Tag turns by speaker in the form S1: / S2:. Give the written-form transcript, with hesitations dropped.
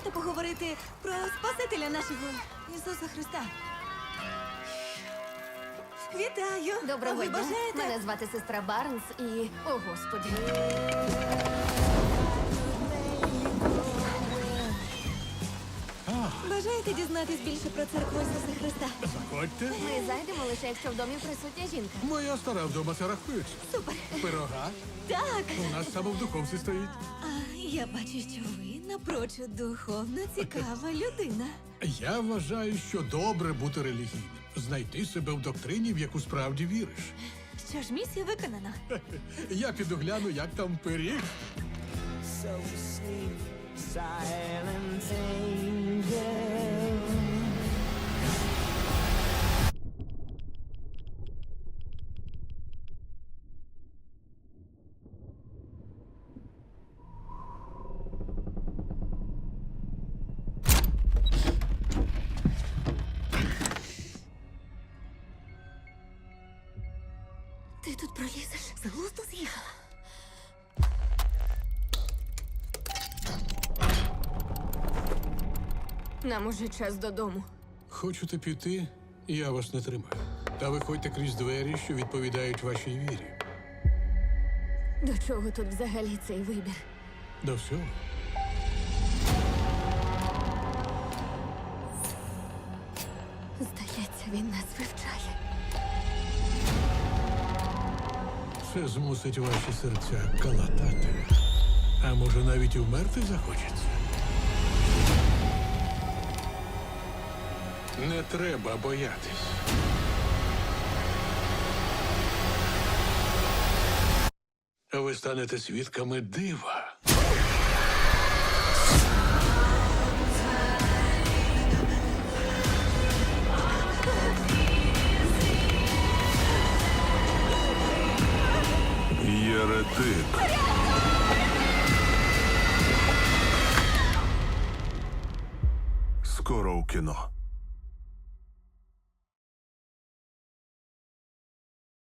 S1: хочете поговорити про Спасителя нашого Ісуса Христа? Вітаю!
S2: Доброго
S1: Ви
S2: дня.
S1: бажаєте?
S2: Мене звати сестра Барнс і... О, Господі.
S1: Бажаєте дізнатись більше про церкву Ісуса Христа?
S3: Заходьте.
S2: Ми зайдемо лише, якщо в домі присутня жінка.
S3: Моя стара вдома це рахується.
S1: Супер!
S3: Пирога.
S1: Так!
S3: У нас саме в духовці стоїть.
S1: А я бачу, що ви напрочуд духовно цікава людина.
S3: Я вважаю, що добре бути релігійним. Знайти себе в доктрині, в яку справді віриш.
S1: Що ж, місія виконана.
S3: Я піду гляну, як там пиріг.
S4: So sleep, silent angel.
S1: Ти тут пролізеш? З глузду з'їхала.
S2: Нам уже час додому.
S3: Хочете піти, я вас не тримаю. Та виходьте крізь двері, що відповідають вашій вірі.
S2: До чого тут взагалі цей вибір?
S3: До всього.
S2: Здається, він нас вивчає.
S3: Це змусить ваші серця калатати. А може, навіть і вмерти захочеться? Не треба боятись. Ви станете свідками дива.
S5: Єретик. Скоро у кіно.